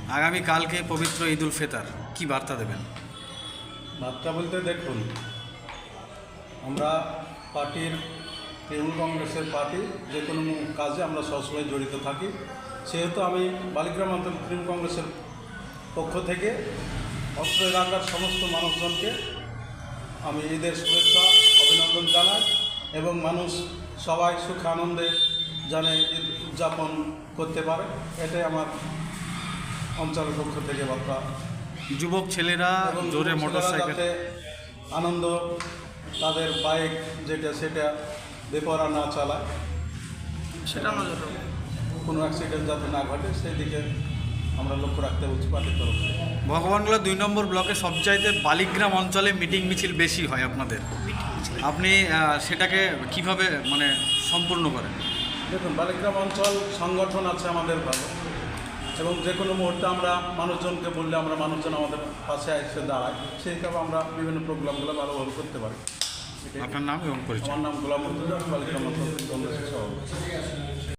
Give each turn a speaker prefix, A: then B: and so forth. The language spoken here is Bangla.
A: আগামীকালকে পবিত্র ঈদ উল ফিতর, কী বার্তা দেবেন?
B: বার্তা বলতে দেখুন, আমরা পার্টির তৃণমূল কংগ্রেসের পার্টি যে কোনো কাজে আমরা সবসময় জড়িত থাকি। সেহেতু আমি বালিগ্রাম অঞ্চল তৃণমূল কংগ্রেসের পক্ষ থেকে অত্র এলাকার সমস্ত মানুষজনকে আমি ঈদের শুভেচ্ছা অভিনন্দন জানাই এবং মানুষ সবাই সুখ আনন্দে জানে ঈদ উদযাপন করতে পারে, এটাই আমার অঞ্চলের পক্ষ থেকে বার্তা।
A: যুবক ছেলেরা
B: এবং
A: জোরে
B: ছেলেরা
A: মোটরসাইকেল
B: যাতে আনন্দ তাদের বাইক সেটা বেপরা না চালায়,
C: সেটা নজর রাখবো।
B: কোনো অ্যাক্সিডেন্ট যাতে না ঘটে সেই দিকে আমরা লক্ষ্য রাখতে বলছি পার্টির তরফ থেকে।
A: ভগবানগোলা 2 নম্বর ব্লকে সবচাইতে বালিগ্রাম অঞ্চলে মিটিং মিছিল বেশি হয় আপনাদের, আপনি সেটাকে কিভাবে সম্পূর্ণ করেন?
B: দেখুন, বালিগ্রাম অঞ্চল সংগঠন আছে আমাদের ভালো, এবং যে কোনো মুহূর্তে আমরা মানুষজনকে বললে আমরা মানুষজন আমাদের পাশে এসে দাঁড়ায়, সেই হিসাবে আমরা বিভিন্ন প্রোগ্রামগুলো ভালোভাবে করতে পারি।
A: আপনার নাম এবং পরিচয়?
B: আমার নাম গোলাম মর্তুজা, বালিগ্রাম অঞ্চল কংগ্রেসের সভাপতি।